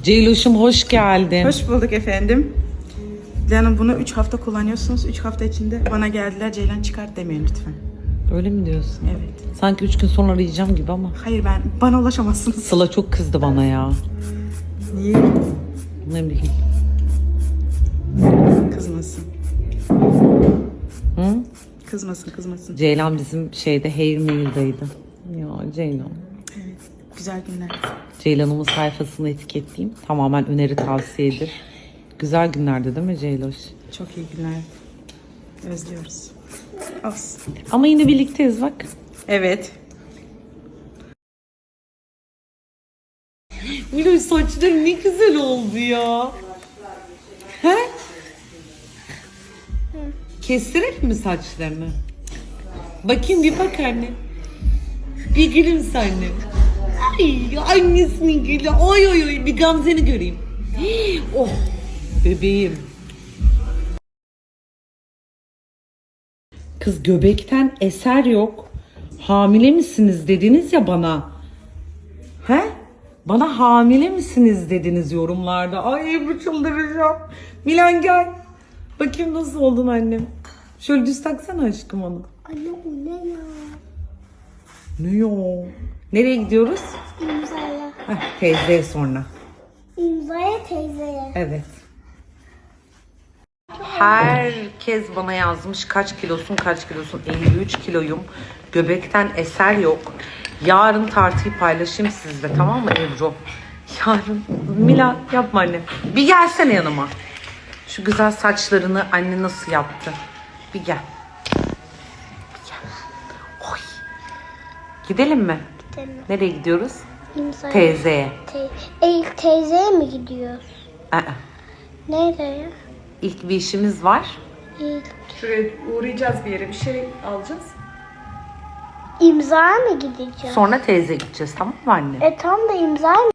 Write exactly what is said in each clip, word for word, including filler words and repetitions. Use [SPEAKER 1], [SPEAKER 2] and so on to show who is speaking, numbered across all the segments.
[SPEAKER 1] Ceyloş'um hoş geldin.
[SPEAKER 2] Hoş bulduk efendim. Canım bunu üç hafta kullanıyorsunuz. üç hafta içinde bana geldiler Ceylan çıkart demeyin lütfen.
[SPEAKER 1] Öyle mi diyorsun?
[SPEAKER 2] Evet.
[SPEAKER 1] Sanki üç gün sonra arayacağım gibi ama.
[SPEAKER 2] Hayır ben bana ulaşamazsınız.
[SPEAKER 1] Sıla çok kızdı bana ya.
[SPEAKER 2] Niye?
[SPEAKER 1] Ne bileyim.
[SPEAKER 2] Kızmasın.
[SPEAKER 1] Hı?
[SPEAKER 2] Kızmasın kızmasın.
[SPEAKER 1] Ceylan bizim şeyde Hair Mail'daydı. Ya Ceylan.
[SPEAKER 2] Evet. Güzel günler.
[SPEAKER 1] Ceylan'ımın sayfasını etiketleyeyim. Tamamen öneri tavsiyedir. Güzel günlerdi değil mi Ceyloş?
[SPEAKER 2] Çok iyi günler. Özlüyoruz. Olsun.
[SPEAKER 1] Ama yine birlikteyiz bak.
[SPEAKER 2] Evet.
[SPEAKER 1] Miloş saçların ne güzel oldu ya. He? Kestirelim mi saçlarını? Bakayım bir bak anne. Bir gülümse anne. Ay annesinin gülü. Oy oy oy bir Gamze'ni göreyim. Oh bebeğim. Kız göbekten eser yok. Hamile misiniz dediniz ya bana. He? Bana hamile misiniz dediniz yorumlarda. Ay Ebru çıldıracağım. Milan gel. Bakayım nasıl oldun annem. Şöyle düz taksana aşkım onu.
[SPEAKER 3] Anne bu ne ya?
[SPEAKER 1] Ne ya? Nereye gidiyoruz?
[SPEAKER 3] İmzaya.
[SPEAKER 1] Heh, teyzeye sonra.
[SPEAKER 3] İmzaya teyzeye.
[SPEAKER 1] Evet. Herkes bana yazmış kaç kilosun kaç kilosun. elli üç kiloyum. Göbekten eser yok. Yarın tartıyı paylaşayım sizle, tamam mı Ebru? Yarın. Mila yapma anne. Bir gelsene yanıma. Şu güzel saçlarını anne nasıl yaptı? Bir gel. Bir gel. Oy. Gidelim mi?
[SPEAKER 3] Gidelim.
[SPEAKER 1] Nereye gidiyoruz?
[SPEAKER 3] İmzaya.
[SPEAKER 1] Teyzeye.
[SPEAKER 3] Te e, teyzeye mi gidiyoruz?
[SPEAKER 1] Aa,
[SPEAKER 3] Nereye?
[SPEAKER 1] İlk bir işimiz var.
[SPEAKER 3] İyi.
[SPEAKER 2] Şuraya uğrayacağız bir yere. Bir şey alacağız.
[SPEAKER 3] İmzaya mı gideceğiz?
[SPEAKER 1] Sonra teyze gideceğiz, tamam mı anne?
[SPEAKER 3] E tam da imzaya mı?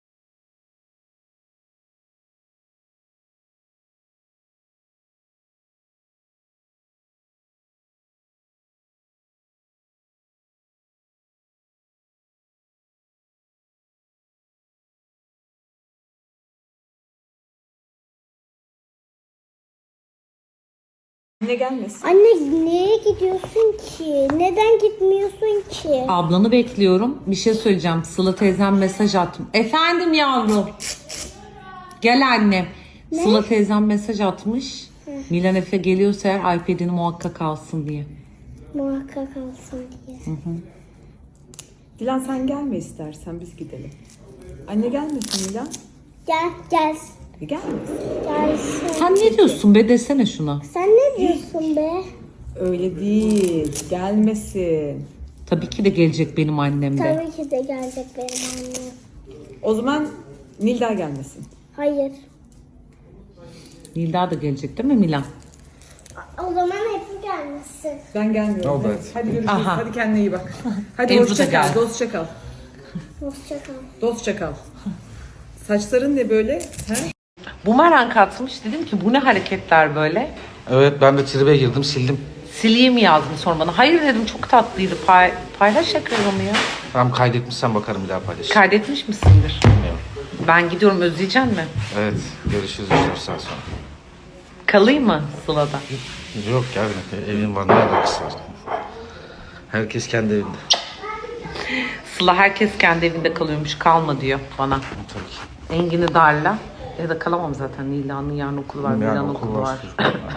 [SPEAKER 2] Ne gelmesin?
[SPEAKER 3] Anne nereye gidiyorsun ki? Neden gitmiyorsun ki?
[SPEAKER 1] Ablanı bekliyorum. Bir şey söyleyeceğim. Sıla teyzem mesaj attım. Efendim yavrum. Gel annem.
[SPEAKER 3] Ne?
[SPEAKER 1] Sıla teyzem mesaj atmış. Milan Efe geliyorsa eğer iPad'ini muhakkak alsın diye.
[SPEAKER 3] Muhakkak alsın diye.
[SPEAKER 2] Dilan sen gelme istersen biz gidelim. Anne gelmesin Dilan.
[SPEAKER 3] Gel gel.
[SPEAKER 2] E, gelmesin.
[SPEAKER 3] Gelsin.
[SPEAKER 1] Sen ne diyorsun be, desene şuna.
[SPEAKER 3] Sen ne diyorsun be?
[SPEAKER 2] Öyle değil. Gelmesin.
[SPEAKER 1] Tabii ki de gelecek benim annem de.
[SPEAKER 3] Tabii ki de gelecek benim annem.
[SPEAKER 2] O zaman Nilda gelmesin.
[SPEAKER 3] Hayır.
[SPEAKER 1] Nilda da gelecek değil mi Milan?
[SPEAKER 3] O zaman hep gelmesin.
[SPEAKER 2] Ben gelmiyorum.
[SPEAKER 4] Oldu,
[SPEAKER 2] Evet.
[SPEAKER 4] hadi.
[SPEAKER 2] Hadi görüşürüz.
[SPEAKER 1] Aha.
[SPEAKER 2] Hadi kendine iyi bak. Hadi
[SPEAKER 1] Ebru da
[SPEAKER 2] hoşça kal.
[SPEAKER 1] gel.
[SPEAKER 2] Dostça kal.
[SPEAKER 3] Hoşça kal.
[SPEAKER 2] Dostça kal. Saçların ne böyle? He?
[SPEAKER 1] Bumerang atmış. Dedim ki bu ne hareketler böyle?
[SPEAKER 4] Evet, ben de tribe girdim, sildim.
[SPEAKER 1] Sileyim yazdım sonra bana. Hayır dedim, çok tatlıydı. Pay, paylaş ekranımı ya.
[SPEAKER 4] Tamam, kaydetmişsen bakarım, bir daha paylaş.
[SPEAKER 1] Kaydetmiş misindir?
[SPEAKER 4] Bilmiyorum.
[SPEAKER 1] Ben gidiyorum, özleyecek mi?
[SPEAKER 4] Evet, görüşürüz üç dört saat sonra.
[SPEAKER 1] Kalayım mı Sıla'da?
[SPEAKER 4] Yok ya, evin var, ne alakası var? Herkes kendi evinde.
[SPEAKER 1] Sıla herkes kendi evinde kalıyormuş, kalma diyor bana.
[SPEAKER 4] Tabii ki.
[SPEAKER 1] Engin'i darla. Ya da kalamam zaten. Nila'nın yarın okulu var,
[SPEAKER 4] Yani
[SPEAKER 1] Milan
[SPEAKER 4] okul
[SPEAKER 1] okulu var.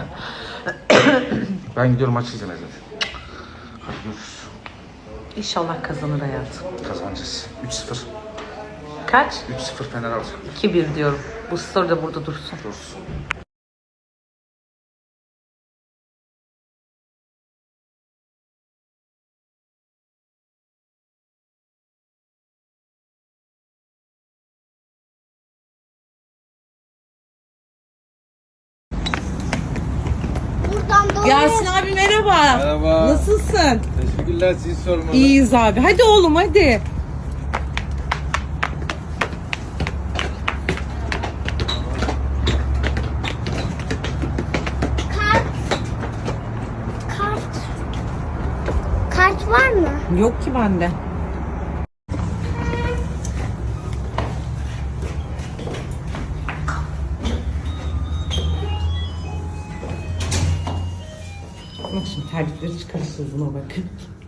[SPEAKER 4] Ben gidiyorum, maç izlemeye zaten. Hadi görüşürüz.
[SPEAKER 1] İnşallah kazanır hayatım.
[SPEAKER 4] Kazanacağız. üç sıfır.
[SPEAKER 1] Kaç?
[SPEAKER 4] üç sıfır Fener alacak.
[SPEAKER 1] iki bir diyorum. Bu story da burada dursun.
[SPEAKER 4] Dursun.
[SPEAKER 3] Buradan doğru.
[SPEAKER 1] Yasin abi merhaba.
[SPEAKER 5] Merhaba.
[SPEAKER 1] Nasılsın?
[SPEAKER 5] Teşekkürler, sizi sormalı.
[SPEAKER 1] İyiyiz abi. Hadi oğlum hadi.
[SPEAKER 3] Kart. Kart. Kart var mı?
[SPEAKER 1] Yok ki bende. Terlikleri çıkarışırız buna bakın.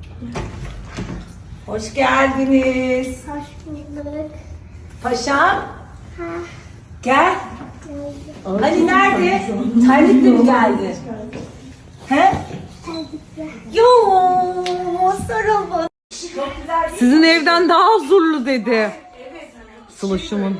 [SPEAKER 1] Hoş geldiniz.
[SPEAKER 3] Hoş bulduk.
[SPEAKER 5] Paşam. Gel. Hani nerede? Terlikle mi geldi? He? Yo, sarıl bana.
[SPEAKER 1] Sizin evden daha huzurlu dedi. Sılışımın.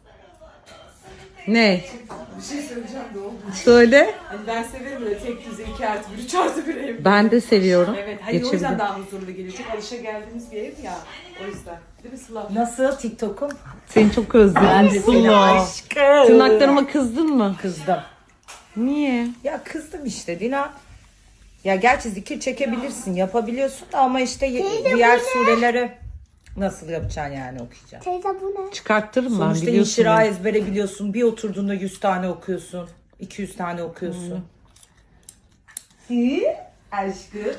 [SPEAKER 1] Ne?
[SPEAKER 2] Bir şey söyleyeceğim de oldu.
[SPEAKER 1] Söyle.
[SPEAKER 2] Hani ben severim böyle tek düze iki artı bir, üç artı bir ev.
[SPEAKER 1] Ben de seviyorum.
[SPEAKER 2] Evet, hani o yüzden
[SPEAKER 1] Geçebilirim.
[SPEAKER 2] daha huzurlu geliyor. Çok alışa geldiğimiz bir ev ya. O yüzden. Değil mi Sıla?
[SPEAKER 5] Nasıl TikTok'um?
[SPEAKER 1] Seni çok özledim.
[SPEAKER 5] Ben de seni
[SPEAKER 1] Sıla.
[SPEAKER 5] aşkım.
[SPEAKER 1] Tırnaklarıma kızdın mı?
[SPEAKER 5] Kızdım.
[SPEAKER 1] Niye?
[SPEAKER 5] Ya kızdım işte Dina. Ya gerçi zikir çekebilirsin, yapabiliyorsun da ama işte ye- diğer sureleri nasıl yapacaksın yani okuyacaksın.
[SPEAKER 3] Teyze bu ne?
[SPEAKER 1] Çıkarttırım ben
[SPEAKER 5] Sonuçta
[SPEAKER 1] biliyorsun.
[SPEAKER 5] inşira
[SPEAKER 1] beni.
[SPEAKER 5] ezbere biliyorsun. Bir oturduğunda yüz tane okuyorsun. iki yüz tane okuyorsun. Hı? Aşkım.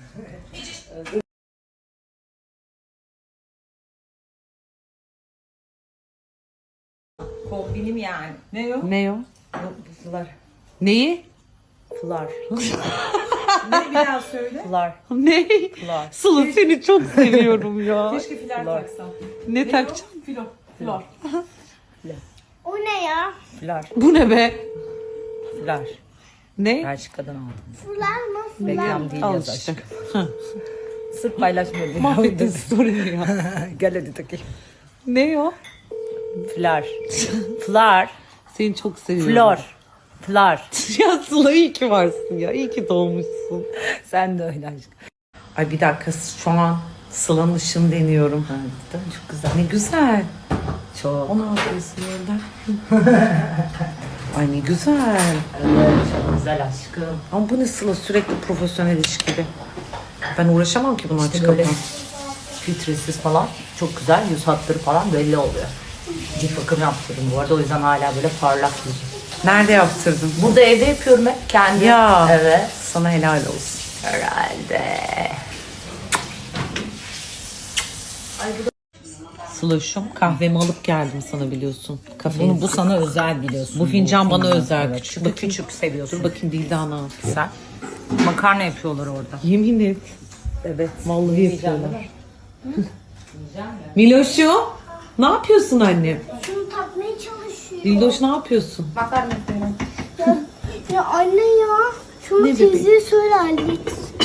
[SPEAKER 5] Kombinim yani. Ne o?
[SPEAKER 1] Ne o?
[SPEAKER 5] Fılar.
[SPEAKER 1] Neyi?
[SPEAKER 5] Fılar.
[SPEAKER 2] Ne bir daha söyle.
[SPEAKER 5] Fılar.
[SPEAKER 1] Ne?
[SPEAKER 5] Fılar.
[SPEAKER 1] Sıla seni çok seviyorum ya.
[SPEAKER 2] Keşke filar taksam.
[SPEAKER 1] Ne takacağım?
[SPEAKER 2] Filo. Flor.
[SPEAKER 3] O ne ya?
[SPEAKER 5] Fılar.
[SPEAKER 1] Bu ne be?
[SPEAKER 5] Fılar.
[SPEAKER 1] Ne?
[SPEAKER 5] Belçika'dan aldım.
[SPEAKER 3] Fular mı? Fular.
[SPEAKER 5] Reklam değil
[SPEAKER 1] Al
[SPEAKER 5] yaz
[SPEAKER 1] işte.
[SPEAKER 5] aşkım. Sırf paylaşmıyorum.
[SPEAKER 1] Mahvettin story'ni ya.
[SPEAKER 5] Gel hadi takayım.
[SPEAKER 1] Ne o?
[SPEAKER 5] Flar. Flar.
[SPEAKER 1] Seni çok seviyorum.
[SPEAKER 5] Flor. Flar.
[SPEAKER 1] Ya Sıla iyi ki varsın ya. İyi ki doğmuşsun.
[SPEAKER 5] Sen de öyle aşkım.
[SPEAKER 1] Ay bir dakika şu an Sıla'nın ışığını deniyorum.
[SPEAKER 5] Ha, değil mi? Çok güzel.
[SPEAKER 1] Ne güzel.
[SPEAKER 5] Çok.
[SPEAKER 1] O ne yapıyorsun orada? Ay ne güzel.
[SPEAKER 5] Evet, çok güzel aşkım.
[SPEAKER 1] Ama bu ne Sıla sürekli profesyonel iş gibi. Ben uğraşamam ki bunu
[SPEAKER 5] İşte
[SPEAKER 1] açık
[SPEAKER 5] böyle
[SPEAKER 1] kapan.
[SPEAKER 5] filtresiz falan çok güzel. Yüz hatları falan belli oluyor. Cilt bakım yaptırdım bu arada. O yüzden hala böyle parlak yüzüm.
[SPEAKER 1] Nerede yaptırdın?
[SPEAKER 5] Burada evde yapıyorum hep kendi.
[SPEAKER 1] Ya.
[SPEAKER 5] Evet.
[SPEAKER 1] Sana helal olsun.
[SPEAKER 5] Herhalde.
[SPEAKER 1] Sıla'şım kahvemi alıp geldim sana biliyorsun. Kafein.
[SPEAKER 5] Bunu, bu sana özel biliyorsun.
[SPEAKER 1] Bu fincan bana özel.
[SPEAKER 5] Evet,
[SPEAKER 1] Küçük.
[SPEAKER 5] çünkü
[SPEAKER 1] Bakayım.
[SPEAKER 5] küçük seviyorsun.
[SPEAKER 1] Dur bakayım Dilda ne yapıyor?
[SPEAKER 5] Sen. Makarna yapıyorlar orada.
[SPEAKER 1] Yemin et.
[SPEAKER 5] Evet.
[SPEAKER 1] Vallahi yapıyorlar. Miloş'u ne yapıyorsun annem?
[SPEAKER 3] Şunu takmaya çalışıyor.
[SPEAKER 1] Dildoş ne yapıyorsun?
[SPEAKER 3] Ya, ya anne ya. Şunu
[SPEAKER 1] Ne
[SPEAKER 3] teyzeye söyle hallet.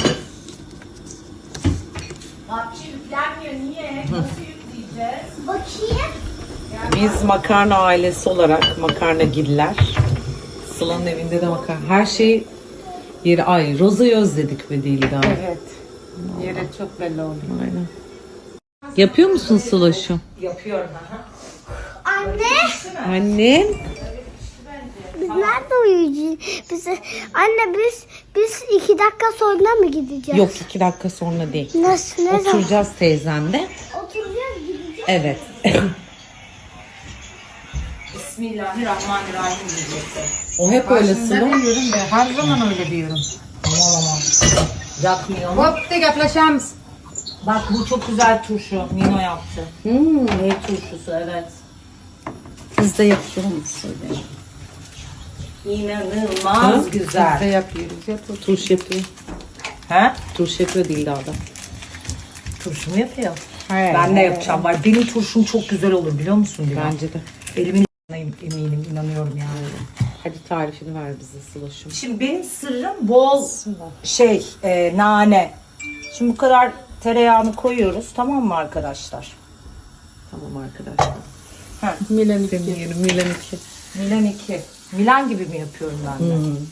[SPEAKER 3] Bakayım.
[SPEAKER 1] Biz makarna ailesi olarak makarna giller. Sıla'nın evinde de makarna. Her şey yeri ay. Roza'yı özledik be Dilda.
[SPEAKER 2] Evet. Yere çok belli oldu.
[SPEAKER 1] Aynen. Yapıyor musun Sıla'şım?
[SPEAKER 5] Yapıyorum. Aha.
[SPEAKER 3] Anne.
[SPEAKER 1] Annem.
[SPEAKER 3] Biz nerede uyuyacağız? Biz, anne biz biz iki dakika sonra mı gideceğiz?
[SPEAKER 1] Yok iki dakika sonra değil.
[SPEAKER 3] Nasıl? Ne zaman?
[SPEAKER 1] Oturacağız teyzemde.
[SPEAKER 3] Oturacağız gideceğiz.
[SPEAKER 1] Evet.
[SPEAKER 5] Bismillahirrahmanirrahim diyeceksin.
[SPEAKER 1] O hep öyle Sıla.
[SPEAKER 2] diyorum be. Her zaman öyle diyorum.
[SPEAKER 5] Aman aman. Yakmıyor.
[SPEAKER 2] Hop de yaklaşamız.
[SPEAKER 5] Bak bu çok güzel turşu. Nino yaptı.
[SPEAKER 1] Hmm.
[SPEAKER 5] Ne turşusu evet.
[SPEAKER 1] Biz de yapıyoruz.
[SPEAKER 5] İnanılmaz güzel.
[SPEAKER 2] Biz de yapıyoruz. Yapıyoruz.
[SPEAKER 1] Turş yapıyor.
[SPEAKER 5] He?
[SPEAKER 1] Turş yapıyor Dilda'da.
[SPEAKER 5] Turşu mu yapıyor? Ben de yapacağım. Var. Benim turşum çok güzel olur biliyor musun? Dila?
[SPEAKER 1] Bence de.
[SPEAKER 5] Elimin eminim, inanıyorum yani.
[SPEAKER 1] Hadi tarifini ver bize Sıla'şım.
[SPEAKER 5] Şimdi benim sırrım bol şey, e, nane. Şimdi bu kadar tereyağını koyuyoruz, tamam mı arkadaşlar?
[SPEAKER 1] Tamam arkadaşlar.
[SPEAKER 5] Ha.
[SPEAKER 1] Milan iki. Demeyelim Milan iki.
[SPEAKER 5] Milan iki. Milan gibi mi yapıyorum ben de?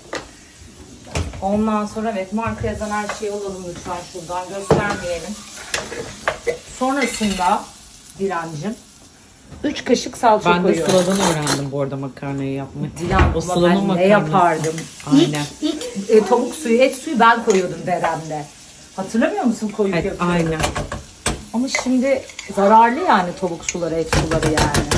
[SPEAKER 5] Ondan sonra evet marka yazan her şeyi alalım lütfen şuradan göstermeyelim. Sonrasında Dilancım üç kaşık salça
[SPEAKER 1] Ben de
[SPEAKER 5] koyuyorum.
[SPEAKER 1] Sıla'dan öğrendim bu arada makarnayı yapmayı.
[SPEAKER 5] Dilan
[SPEAKER 1] O
[SPEAKER 5] o
[SPEAKER 1] Sıla'nın
[SPEAKER 5] ben ne
[SPEAKER 1] makarnası.
[SPEAKER 5] yapardım?
[SPEAKER 1] Aynen.
[SPEAKER 5] İlk, ilk e, tavuk suyu, et suyu ben koyuyordum Derem'de. Hatırlamıyor musun koyup
[SPEAKER 1] Evet,
[SPEAKER 5] yapıyordum.
[SPEAKER 1] aynen.
[SPEAKER 5] Ama şimdi zararlı yani tavuk suları, et suları yani.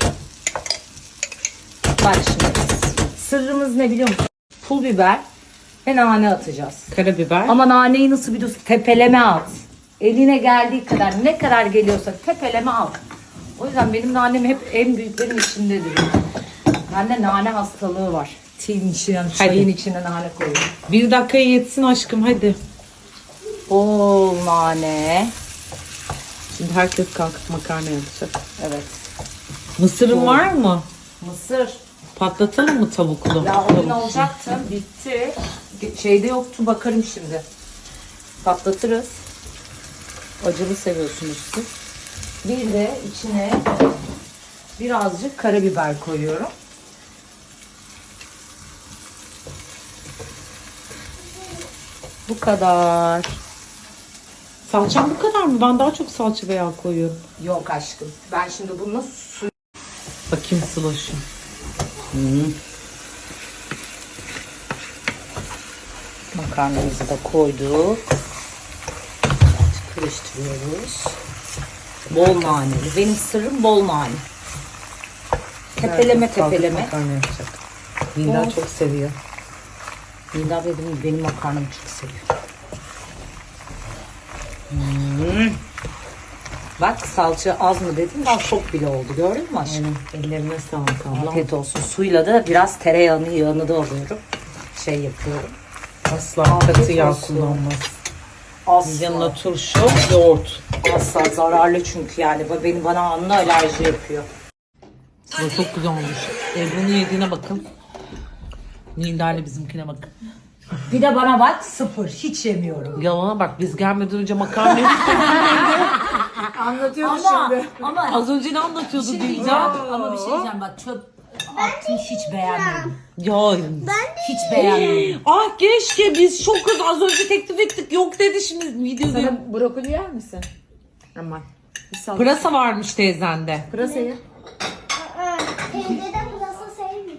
[SPEAKER 5] Bak şimdi sırrımız ne biliyor musun? Pul biber ve nane atacağız.
[SPEAKER 1] Karabiber.
[SPEAKER 5] Ama naneyi nasıl biliyorsun? Tepeleme at. Eline geldiği kadar, ne kadar geliyorsa tepeleme al. O yüzden benim nanem hep en büyüklerin içindedir. Bende nane hastalığı var. Tea'nin içine, çayın içine nane koyuyorum.
[SPEAKER 1] Bir dakikaya yetsin aşkım hadi.
[SPEAKER 5] Bol nane.
[SPEAKER 1] Şimdi herkes kalkıp makarna yapacak.
[SPEAKER 5] Evet.
[SPEAKER 1] Mısırın var mı?
[SPEAKER 5] Mısır.
[SPEAKER 1] Patlatalım mı tavuklu?
[SPEAKER 5] Ya o gün
[SPEAKER 1] Tavuk.
[SPEAKER 5] olacaktı. Bitti. Şeyde yoktu. Bakarım şimdi. Patlatırız. Acılı seviyorsunuz siz. Bir de içine birazcık karabiber koyuyorum. Bu kadar.
[SPEAKER 1] Salçam bu kadar mı? Ben daha çok salça ve yağ koyuyorum.
[SPEAKER 5] Yok aşkım. Ben şimdi bununla su...
[SPEAKER 1] Bakayım Sıloş'um.
[SPEAKER 5] Makarnamızı da koyduk. Karıştırıyoruz. Bol naneli. Benim sırrım bol nane. Tepeleme
[SPEAKER 1] Kalkıp
[SPEAKER 5] tepeleme.
[SPEAKER 1] makarna yapacak. Nilda çok seviyor.
[SPEAKER 5] Nida benim, benim makarnamı çok seviyor. Hmm. Bak salça az mı dedim, daha çok bile oldu. Gördün mü aşkım?
[SPEAKER 1] Ellerine sağlık ablam.
[SPEAKER 5] Afiyet olsun. Suyla da biraz tereyağını yağını da alıyorum. Şey yapıyorum.
[SPEAKER 1] Asla
[SPEAKER 5] Afiyet
[SPEAKER 1] katı yağ
[SPEAKER 5] olsun.
[SPEAKER 1] kullanmaz.
[SPEAKER 5] Asla.
[SPEAKER 1] Yanına turşu, yoğurt.
[SPEAKER 5] Asla zararlı çünkü yani. Bu Benim bana anla alerji yapıyor.
[SPEAKER 1] Bu çok güzel olmuş. Ebru'nun yediğine bakın. Nilda ile bizimkine bakın.
[SPEAKER 5] Bir de bana bak, sıfır. Hiç yemiyorum.
[SPEAKER 1] Yalana bak, biz gelmeden önce makarna yedik.
[SPEAKER 2] Anlatıyordu
[SPEAKER 5] Ama,
[SPEAKER 2] şimdi.
[SPEAKER 5] ama
[SPEAKER 1] Az önce ne anlatıyordu
[SPEAKER 5] Şimdi
[SPEAKER 1] Nilda?
[SPEAKER 5] diyeceğim, ama bir şey diyeceğim bak, çöp attım, hiç beğenmedim.
[SPEAKER 1] Ya.
[SPEAKER 5] Hiç beğenmedim.
[SPEAKER 1] Ah keşke biz çok kız az önce teklif ettik yok dedi şimdi videoda.
[SPEAKER 2] Sen brokoli yer misin? Aman. Bir sal.
[SPEAKER 1] Pırasa varmış teyzende.
[SPEAKER 2] Pırasayı.
[SPEAKER 3] Aa, teyze de pırasa sevmiyor.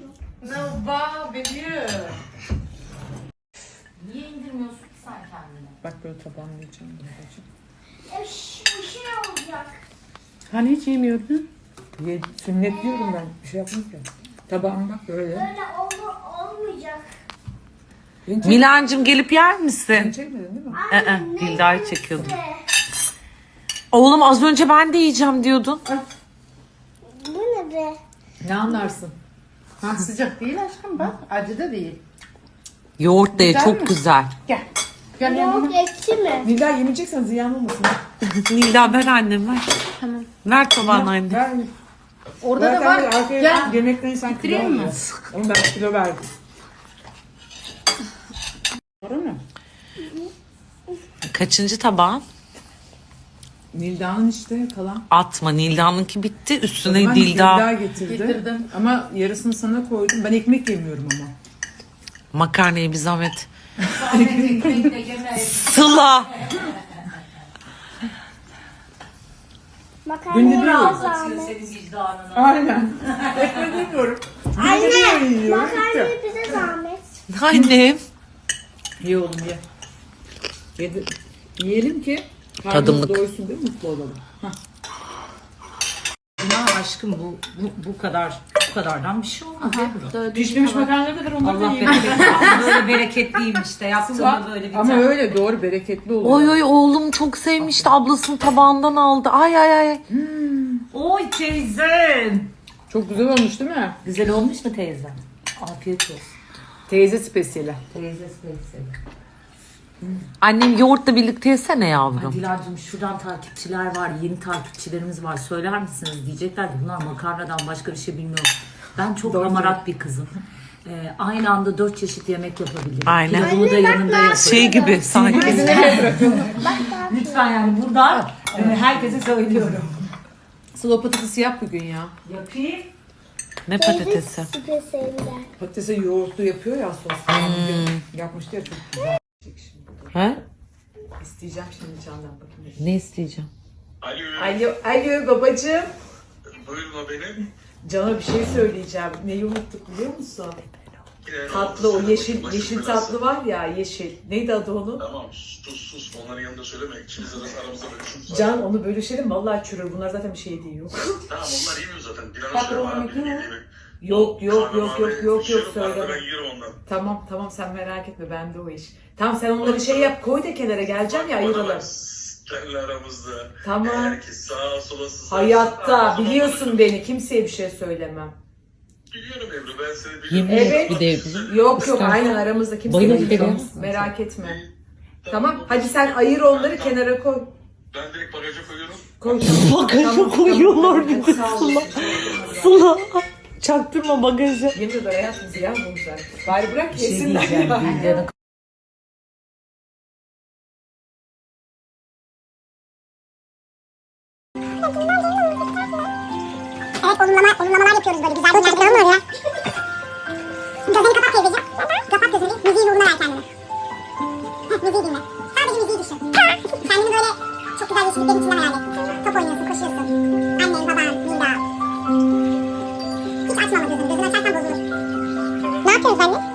[SPEAKER 5] Niye indirmiyorsun ki sen kendini?
[SPEAKER 2] Bak böyle tabağını yiyeceğim.
[SPEAKER 3] E, ş- bir şey olacak.
[SPEAKER 2] Hani hiç yemiyordun? Ye, sünnet diyorum ben. Bir şey yapmam ki. Tabağım bak böyle.
[SPEAKER 3] Böyle olur, olmayacak.
[SPEAKER 2] Beni çek-
[SPEAKER 1] Milancım gelip yer misin?
[SPEAKER 2] Beni çekmedin değil mi?
[SPEAKER 1] Ee, Dilda'yı çekiyordum.
[SPEAKER 3] Be.
[SPEAKER 1] Oğlum az önce ben de yiyeceğim diyordun.
[SPEAKER 3] Bu ne be?
[SPEAKER 2] Ne anlarsın? Ha, sıcak değil aşkım bak. Acı da değil.
[SPEAKER 1] Yoğurt da ye,
[SPEAKER 2] Güzel
[SPEAKER 1] çok
[SPEAKER 2] mi?
[SPEAKER 1] güzel.
[SPEAKER 2] Gel. Gel yanıma.
[SPEAKER 3] Yok ekşi mi?
[SPEAKER 2] Nilda yemeyeceksen ziyan olmasın.
[SPEAKER 1] Nilda ver annem ver. Tamam. Ver tabağını anne.
[SPEAKER 2] Ver. Orada da var. Gel. Yemekten insan kilo almıyor. Ama ben kilo verdim. Doğru mu?
[SPEAKER 1] Kaçıncı tabağın?
[SPEAKER 2] Nilda'nın işte kalan.
[SPEAKER 1] Atma, Nilda'nınki bitti. Üstüne
[SPEAKER 2] Ben
[SPEAKER 1] Dilda
[SPEAKER 2] Nilda getirdi. Getirdim. Ama yarısını sana koydum. Ben ekmek yemiyorum ama.
[SPEAKER 1] makarnayı bir zahmet. Sıla.
[SPEAKER 2] Günde
[SPEAKER 3] Makarnayı
[SPEAKER 2] bir
[SPEAKER 3] biraz
[SPEAKER 2] yiyorum.
[SPEAKER 3] zahmet.
[SPEAKER 5] Senin vicdanını.
[SPEAKER 2] Aynen. Ekmek yemiyorum. Günde bir öğün yiyorum. Bitti.
[SPEAKER 3] Makarnayı bize zahmet.
[SPEAKER 1] Annem.
[SPEAKER 2] Ye oğlum ye. Yedi. Yiyelim ki karnımız
[SPEAKER 1] Tadımlık.
[SPEAKER 2] doysun değil mi? Mutlu olalım. Hah.
[SPEAKER 5] Ya aşkım bu, bu bu kadar bu kadardan bir şey olmaz. Ebru.
[SPEAKER 2] Pişmemiş makarnaları da ver onları da
[SPEAKER 5] Allah
[SPEAKER 2] yiyelim.
[SPEAKER 5] bereket. Böyle bereketliyim işte. Yaptığımda böyle bir
[SPEAKER 2] Ama
[SPEAKER 5] tane.
[SPEAKER 2] öyle doğru bereketli oluyor.
[SPEAKER 1] Oy oy oğlum çok sevmişti. Ablasının tabağından aldı. Ay ay ay.
[SPEAKER 5] Oy teyzem.
[SPEAKER 2] Çok güzel olmuş değil mi?
[SPEAKER 5] Güzel olmuş mu teyzem? Afiyet olsun.
[SPEAKER 2] Teyze spesiyeli.
[SPEAKER 5] Teyze teyze.
[SPEAKER 1] Annem yoğurtla birlikte yesene yavrum.
[SPEAKER 5] Dilar'cığım şuradan takipçiler var, yeni takipçilerimiz var. Söyler misiniz? Diyecekler ki bunlar makarnadan başka bir şey bilmiyor. Ben çok
[SPEAKER 2] Doğru
[SPEAKER 5] hamarat bir kızım. Ee, aynı anda dört çeşit yemek yapabilirim.
[SPEAKER 1] Aynen.
[SPEAKER 5] Pilavımı da yanında yaparım.
[SPEAKER 1] Şey gibi sanki.
[SPEAKER 5] Lütfen yani buradan e, herkese söylüyorum.
[SPEAKER 2] Sıla patatesi yap bugün ya.
[SPEAKER 5] Yapayım.
[SPEAKER 1] Ne patatesi?
[SPEAKER 3] Spesiyeliler.
[SPEAKER 2] Patatese yoğurtlu yapıyor ya sos.
[SPEAKER 1] Hmm.
[SPEAKER 2] Yapmıştı ya çok güzel.
[SPEAKER 1] He?
[SPEAKER 2] İsteyeceğim şimdi Can'dan bakayım.
[SPEAKER 1] Ne isteyeceğim?
[SPEAKER 6] Alo,
[SPEAKER 2] Alo, alo babacığım.
[SPEAKER 6] buyurun o benim.
[SPEAKER 2] Can'a bir şey söyleyeceğim. Neyi unuttuk biliyor musun?
[SPEAKER 6] Yine
[SPEAKER 2] Tatlı o
[SPEAKER 6] olsun,
[SPEAKER 2] yeşil
[SPEAKER 6] başım
[SPEAKER 2] yeşil
[SPEAKER 6] belası.
[SPEAKER 2] tatlı var ya yeşil. Neydi adı onun?
[SPEAKER 6] Tamam, sus sus. Onların yanında söyleme. İkimiz arası aramızda bölüşüm var.
[SPEAKER 2] Can onu bölüşelim vallahi çürür. Bunlar zaten bir şey değil yok.
[SPEAKER 6] Tamam, onlar yemiyor zaten. Dilara
[SPEAKER 2] Bak,
[SPEAKER 6] söyleme
[SPEAKER 2] o
[SPEAKER 6] abi.
[SPEAKER 2] yemek
[SPEAKER 6] Yediğimi.
[SPEAKER 2] Yok yok yok yok yok yok
[SPEAKER 6] Yiyorum, arada
[SPEAKER 2] söyleme.
[SPEAKER 6] Ben yiyorum ondan.
[SPEAKER 2] Tamam tamam sen merak etme bende o iş. Tamam sen onları şey yap koy da kenara geleceğim ya ayıralım.
[SPEAKER 6] Seninle aramızda.
[SPEAKER 2] Tamam.
[SPEAKER 6] Eğer ki sağa sola sızarsa-
[SPEAKER 2] Hayatta
[SPEAKER 6] Aa, o zaman
[SPEAKER 2] biliyorsun beni kimseye bir şey söylemem.
[SPEAKER 6] Biliyorum Ebru. ben seni biliyorum.
[SPEAKER 1] Yemin
[SPEAKER 5] Evet.
[SPEAKER 1] et bir de evli.
[SPEAKER 5] Yok yok
[SPEAKER 1] İstersen
[SPEAKER 5] aynen aramızda kimse
[SPEAKER 1] bayıl
[SPEAKER 5] bilmiyor.
[SPEAKER 1] derim.
[SPEAKER 5] Merak etme. Tamam hadi sen ayır onları kenara koy.
[SPEAKER 6] Ben direkt bagaja koyuyorum.
[SPEAKER 5] Koy.
[SPEAKER 1] Bagaja koyuyorlar bir de
[SPEAKER 5] Sağ ol.
[SPEAKER 1] Sıla. Çaktırma bagajı.
[SPEAKER 5] Yemin ederim hayatım ziyan bulmuşlar. Bari bırak
[SPEAKER 1] Bir şey
[SPEAKER 5] yesinler
[SPEAKER 1] diyeceğim.
[SPEAKER 5] ya.
[SPEAKER 1] Bilge'nin
[SPEAKER 3] Evet olumlama, olumlamalar yapıyoruz böyle güzel günler falan var ya. Gözünü kapat teyzeciğim. Kapat gözünü. Müziği uğruna ver kendine. Heh, müziği dinle. Sadece müziği düşün. Kendini böyle çok güzel yeşilliklerin içinden hayal et. Top oynuyorsun, koşuyorsun. Annen, baban, Nida. Hiç açma ama gözünü. Gözünü açarsan bozulur. Ne yapıyoruz anne?